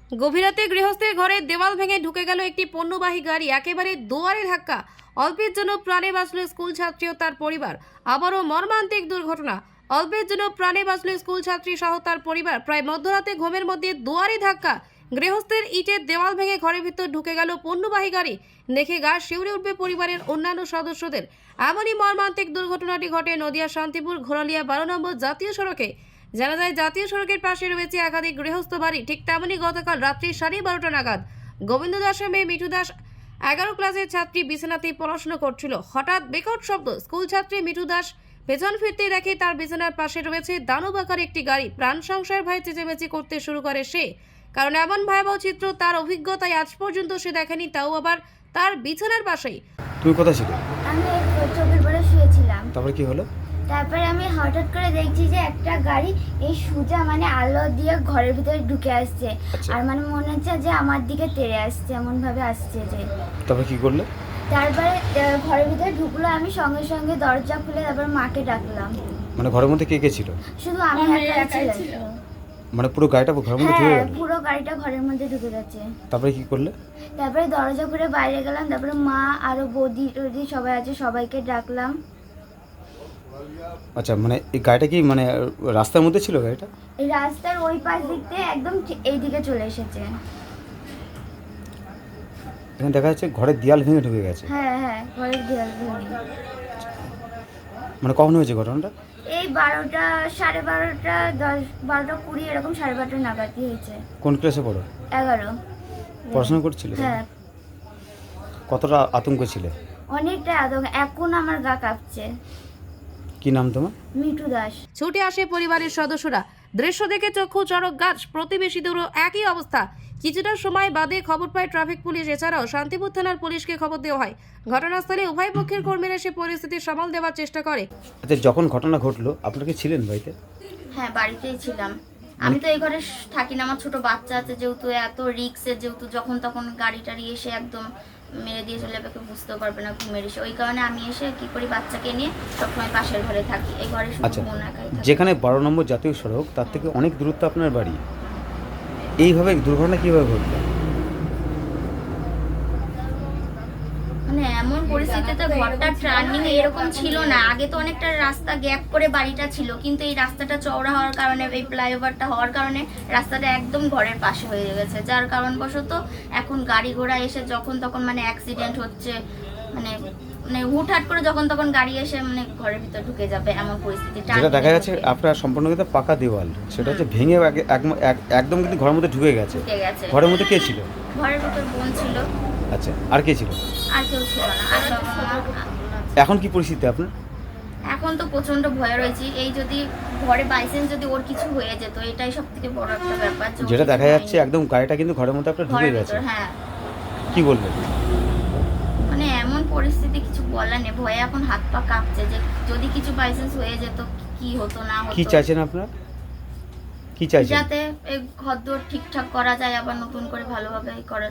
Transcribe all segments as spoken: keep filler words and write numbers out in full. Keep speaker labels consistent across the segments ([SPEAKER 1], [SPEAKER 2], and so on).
[SPEAKER 1] গভীর রাতে গৃহস্থের ঘরে দেওয়াল ভেঙে ঢুকে গেল একটি পণ্যবাহী গাড়ি, একেবারে দুয়ারে ধাক্কা। অল্পের জন্য প্রাণে বাঁচল স্কুল ছাত্রী ও তার পরিবার। আবারও মর্মান্তিক দুর্ঘটনা। অল্পের জন্য প্রাণে বাঁচল স্কুল ছাত্রী সহ তার পরিবার। প্রায় মধ্যরাতে ঘুমের মধ্যে দুয়ারে ধাক্কা। গৃহস্থের ইটের দেওয়াল ভেঙে ঘরের ভিতর ঢুকে গেল পণ্যবাহী গাড়ি। দেখে গা শিউরে উঠবে পরিবারের অন্যান্য সদস্যদের। এমনই মর্মান্তিক দুর্ঘটনাটি ঘটে নদিয়া শান্তিপুর ঘোরালিয়া বারো নম্বর জাতীয় সড়কে। জানা যায়, জাতীয় সড়কের পাশে রয়েছে একাধিক গৃহস্থ বাড়ি। ঠিক তেমনই গতকাল রাত্রি সাড়ে বারোটা নাগাদ গোবিন্দ দাসের মেয়ে মিঠু দাস এগারো ক্লাসের ছাত্রী বিছানাতেই পড়াশোনা করছিল। হঠাৎ বিকট শব্দ। স্কুল ছাত্রী মিঠু দাস পেছন ফিরতেই দেখে তার বিছানার পাশে রয়েছে দানব আকার একটি গাড়ি। প্রাণ সংশয়ের ভয়ে চেঁচামেচি করতে শুরু করে সে, কারণ এমন ভয়াবহ চিত্র তার অভিজ্ঞতায় আজ পর্যন্ত সে দেখেনি, তাও আবার তার বিছানার পাশেই।
[SPEAKER 2] তুমি কোথায় ছিলে?
[SPEAKER 3] আমি চোখের পরে শুয়েছিলাম।
[SPEAKER 2] তারপরে কি হলো?
[SPEAKER 3] তারপরে আমি হঠাৎ করে দেখছি যে একটা গাড়ি এই সোজা মানে আলো দিয়ে ঘরের ভিতরে ঢুকে আসছে।
[SPEAKER 2] আচ্ছা।
[SPEAKER 3] আর মানে মনে হচ্ছে যে আমার দিকে তেড়ে আসছে, এমন ভাবে আসছে যে।
[SPEAKER 2] তারপরে কি করলে?
[SPEAKER 3] তারপরে আহ, ঘরের ভিতরে ঢুকলো, আমি সঙ্গে সঙ্গে দরজা খুলে তারপর মাকে ডাকলাম।
[SPEAKER 2] মানে ঘরের মধ্যে কে কে ছিল?
[SPEAKER 3] শুধু আমি একাই ছিলাম।
[SPEAKER 2] মানে পুরো গাড়িটা ঘরের মধ্যে ঢুকে
[SPEAKER 3] হ্যাঁ,
[SPEAKER 2] গেল?
[SPEAKER 3] পুরো গাড়িটা ঘরের মধ্যে ঢুকে গেছে।
[SPEAKER 2] তারপরে কি করলে?
[SPEAKER 3] তারপরে দরজা খুলে বাইরে গেলাম, তারপরে মা আরো বৌদি টৌদি সবাই আছে, সবাইকে ডাকলাম।
[SPEAKER 2] আচ্ছা, মানে এই গাড়িটা কি মানে রাস্তার মধ্যে ছিল গাড়িটা?
[SPEAKER 3] এই রাস্তার ওই পাশ দিক থেকে একদম ঠিক এই দিকে চলে এসেছে।
[SPEAKER 2] এখানে দেখা যাচ্ছে ঘরের দেয়াল ভেঙে ঢুকে গেছে।
[SPEAKER 3] হ্যাঁ হ্যাঁ, ঘরের দেয়াল ভেঙে।
[SPEAKER 2] মানে কখন হয়েছে ঘটনাটা?
[SPEAKER 3] এই বারোটা সাড়ে বারোটা দশ বারোটা কুড়ি এরকম সাড়ে বারোটা নাগাদই হয়েছে।
[SPEAKER 2] কোন ক্লাসে পড়ো?
[SPEAKER 3] এগারো।
[SPEAKER 2] পড়াশোনা করছিলে?
[SPEAKER 3] হ্যাঁ।
[SPEAKER 2] কতটা আতঙ্ক ছিলে?
[SPEAKER 3] অনেকটা আতঙ্ক, এখন আমার গা কাঁপছে।
[SPEAKER 2] কি নাম তোমার?
[SPEAKER 3] মিঠু দাস।
[SPEAKER 1] ছুটে আসে পরিবারের সদস্যরা। দৃশ্য দেখে চক্ষু চড়ক গাছ। প্রতিবেশীদেরও একই অবস্থা। কিছুটা সময় বাদে খবর পায় ট্রাফিক পুলিশ। এছাড়াও শান্তিপুর থানার পুলিশকে খবর দেওয়া হয়। ঘটনাস্থলে উভয় পক্ষের কর্মীরা এসে পরিস্থিতি সামাল দেওয়ার চেষ্টা করে।
[SPEAKER 2] আচ্ছা, যখন ঘটনা ঘটলো আপনারা কি ছিলেন বাড়িতে?
[SPEAKER 3] হ্যাঁ, বাড়িতেই ছিলাম। আমি তো এই ঘরে থাকি না, আমার ছোট বাচ্চা আছে, যেহেতু এত রিক্সে, যেহেতু যখন তখন গাড়ি টাড়ি এসে একদম মেরে দিয়ে চলে যাবে, বুঝতেও পারবে না ঘুমের এসে। ওই কারণে আমি এসে কি করি, বাচ্চাকে নিয়ে সবসময় পাশের ঘরে থাকি। এই ঘরে শুধু
[SPEAKER 2] আচ্ছা,
[SPEAKER 3] মন একাই থাকে।
[SPEAKER 2] যেখানে বারো নম্বর জাতীয় সড়ক তার থেকে অনেক দূরত্ব আপনার বাড়ি, এইভাবে দুর্ঘটনা কিভাবে ঘটলো?
[SPEAKER 3] মানে এমন পরিস্থিতিতে ঘরটা টার্নিং এরকম ছিল না। আগে তো অনেকটা রাস্তা গ্যাপ করে বাড়িটা ছিল, কিন্তু এই রাস্তাটা চওড়া হওয়ার কারণে, এই ফ্লাইওভারটা হওয়ার কারণে রাস্তাটা একদম ঘরের পাশে হয়ে গেছে, যার কারণবশত এখন গাড়ি ঘোড়া এসে যখন তখন মানে অ্যাক্সিডেন্ট হচ্ছে। মানে মানে হুটহাট করে যখন তখন গাড়ি এসে মানে ঘরের ভিতর ঢুকে যাবে, এমন পরিস্থিতি।
[SPEAKER 2] যেটা দেখা যাচ্ছে আপনার সম্পূর্ণ কিন্তু পাকা দেওয়াল, সেটা হচ্ছে ভেঙে এক- এক- এক- একদম কিন্তু ঘরের মধ্যে ঢুকে গেছে।
[SPEAKER 3] ঢুকে গেছে।
[SPEAKER 2] ঘরের মধ্যে কে ছিল?
[SPEAKER 3] ঘরের ভিতর বোন ছিল।
[SPEAKER 2] আচ্ছা, আর কে ছিল?
[SPEAKER 3] আর কেউ ছিল না। আর বাবা মা।
[SPEAKER 2] এখন কি পরিস্থিতি আপনার?
[SPEAKER 3] এখন তো প্রচন্ড ভয় রয়েছে। এই যদি ঘরে বাইসেন্স যদি ওর কিছু হয়ে যেত, এটাই সব থেকে বড় একটা ব্যাপার। যে ওর
[SPEAKER 2] যেটা
[SPEAKER 3] কিছু
[SPEAKER 2] দেখা যাচ্ছে
[SPEAKER 3] হয়নি।
[SPEAKER 2] একদম গাড়িটা কিন্তু ঘরের মধ্যে আপনার ঢুকে
[SPEAKER 3] ঘরের
[SPEAKER 2] গেছে।
[SPEAKER 3] ভিতর, হ্যাঁ।
[SPEAKER 2] কি বলবেন?
[SPEAKER 3] মানে এমন পরিস্থিতি কিছু বলার নেই, ভয়ে এখন হাত পা কাঁপছে যে যদি কিছু বাইসেন্স হয়ে যেত কি হতো না হতো।
[SPEAKER 2] কি চাইছেন আপনার? কি চাইছেন?
[SPEAKER 3] যাতে এই ঘরদোর ঠিকঠাক করা যায়, আবার নতুন করে ভালোভাবে করা,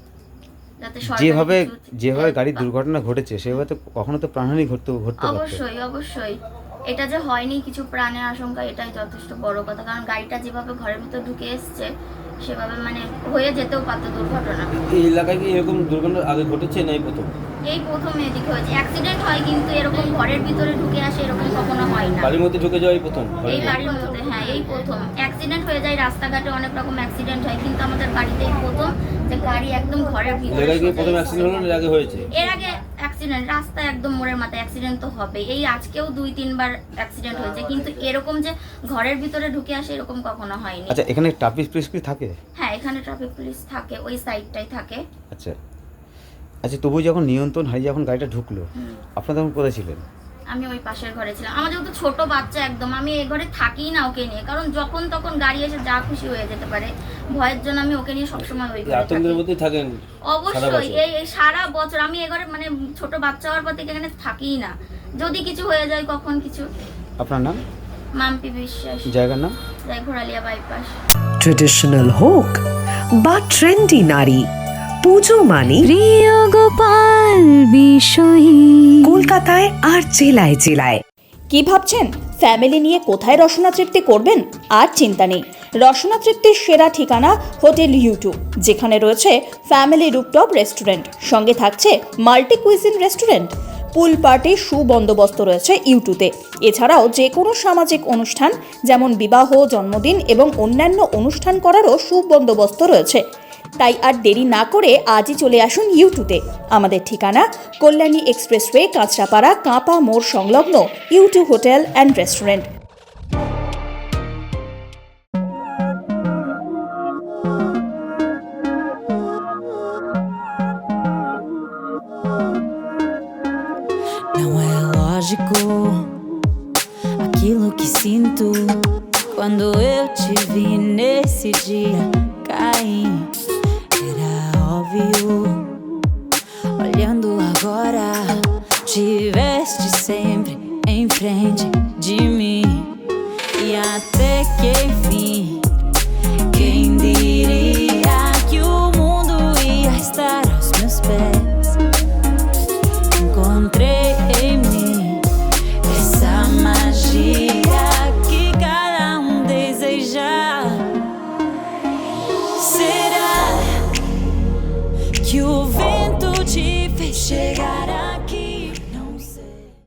[SPEAKER 3] যাতে সরকারি
[SPEAKER 2] যেভাবে
[SPEAKER 3] কিছু
[SPEAKER 2] যেভাবে
[SPEAKER 3] help
[SPEAKER 2] গাড়ির
[SPEAKER 3] পায়।
[SPEAKER 2] দুর্ঘটনা ঘটেছে সেভাবে তো কখনো তো প্রাণহানি ঘটতে ঘটতে পারত।
[SPEAKER 3] অবশ্যই অবশ্যই, এটা যে হয়নি কিছু প্রাণের আশঙ্কা, এটাই যথেষ্ট বড় কথা। কারণ গাড়িটা যেভাবে ঘরের ভিতর ঢুকে এসছে, সেভাবে মানে হয়ে যেতেও পারতো দুর্ঘটনা।
[SPEAKER 4] এই এলাকায় কি এরকম দুর্ঘটনা আগে ঘটেছে না এই প্রথম?
[SPEAKER 3] এই প্রথম এদিকে হয়েছে। অ্যাক্সিডেন্ট হয় কিন্তু এরকম ঘরের ভিতরে ঢুকে আসে এরকম কখনো হয় না।
[SPEAKER 4] বাড়ির মধ্যে ঢুকে যাওয়া এই প্রথম?
[SPEAKER 3] এই বাড়ির মধ্যে, হ্যাঁ, এই প্রথম। অ্যাক্সিডেন্ট হয়ে যায় রাস্তাঘাটে, অনেক রকম অ্যাক্সিডেন্ট হয়, কিন্তু আমাদের বাড়িতেই প্রথম যে গাড়ি একদম ঘরের ভিতরে।
[SPEAKER 4] এলাকায় কি প্রথম অ্যাক্সিডেন্ট হলো না এর আগে হয়েছে?
[SPEAKER 3] এর আগে অ্যাক্সিডেন্ট রাস্তায় একদম মোড়ের মাথায় অ্যাক্সিডেন্ট তো হবে। এই আজকেও দুই তিনবার অ্যাক্সিডেন্ট হয়েছে, কিন্তু এরকম যে ঘরের ভিতরে ঢুকে আসে এরকম কখনো হয়নি।
[SPEAKER 2] আচ্ছা, এখানে ট্রাফিক পুলিশ কি থাকে?
[SPEAKER 3] হ্যাঁ, এখানে ট্রাফিক পুলিশ থাকে, ওই সাইডটাই থাকে।
[SPEAKER 2] আচ্ছা আচ্ছা, তবু যখন নিয়ন্ত্রণ হারিয়ে যখন গাড়িটা ঢুকলো, আপনারা তখন কোথায় ছিলেন?
[SPEAKER 3] আমি ওই পাশের ঘরে ছিলাম। আমার যেহেতু ছোট বাচ্চা একদম, আমি এই ঘরে থাকিই না ওকে নিয়ে, কারণ যখন তখন গাড়ি এসে যা খুশি হয়ে যেতে পারে। ভয়ের জন্য আমি ওকে নিয়ে সবসময় ওই
[SPEAKER 4] এই
[SPEAKER 3] ঘরে
[SPEAKER 4] আতঙ্কের
[SPEAKER 3] থাকি।
[SPEAKER 4] মধ্যেই থাকেন সারা
[SPEAKER 3] অবশ্যই,
[SPEAKER 4] বছর?
[SPEAKER 3] এই এই সারা বছর আমি এ ঘরে মানে ছোট বাচ্চা হওয়ার পর থেকে এখানে থাকিই না। যদি কিছু হয়ে যায়, কখন কিছু।
[SPEAKER 2] আপনার নাম?
[SPEAKER 3] মাম্পি বিশ্বাস।
[SPEAKER 2] জায়গার নাম?
[SPEAKER 3] যাই ঘোরালিয়া বাইপাস।
[SPEAKER 5] ট্রেডিশনাল হোক বা ট্রেন্ডি নারী, পুজো মানে
[SPEAKER 6] প্রিয় গোপাল বিষয়ী।
[SPEAKER 5] কলকাতায় আর জেলায় জেলায়।
[SPEAKER 7] কি ভাবছেন ফ্যামিলি নিয়ে কোথায় রসনা তৃপ্তি করবেন? আর চিন্তা নেই, রসনা তৃপ্তির সেরা ঠিকানা হোটেল ইউটু, যেখানে রয়েছে ফ্যামিলি রুফটপ রেস্টুরেন্ট, সঙ্গে থাকছে মাল্টি কুইজিন রেস্টুরেন্ট। পুল পার্টির সুবন্দোবস্ত রয়েছে ইউটুতে। এছাড়াও যে কোনো সামাজিক অনুষ্ঠান যেমন বিবাহ, জন্মদিন এবং অন্যান্য অনুষ্ঠান করারও সুবন্দোবস্ত রয়েছে। তাই আর দেরি না করে আজই চলে আসুন ইউটুতে। আমাদের ঠিকানা কল্যাণী এক্সপ্রেসওয়ে, কাঁচরাপাড়া, কাঁপা মোড় সংলগ্ন U two hotel and restaurant.
[SPEAKER 6] Não é lógico aquilo que sinto quando eu te vi nesse dia.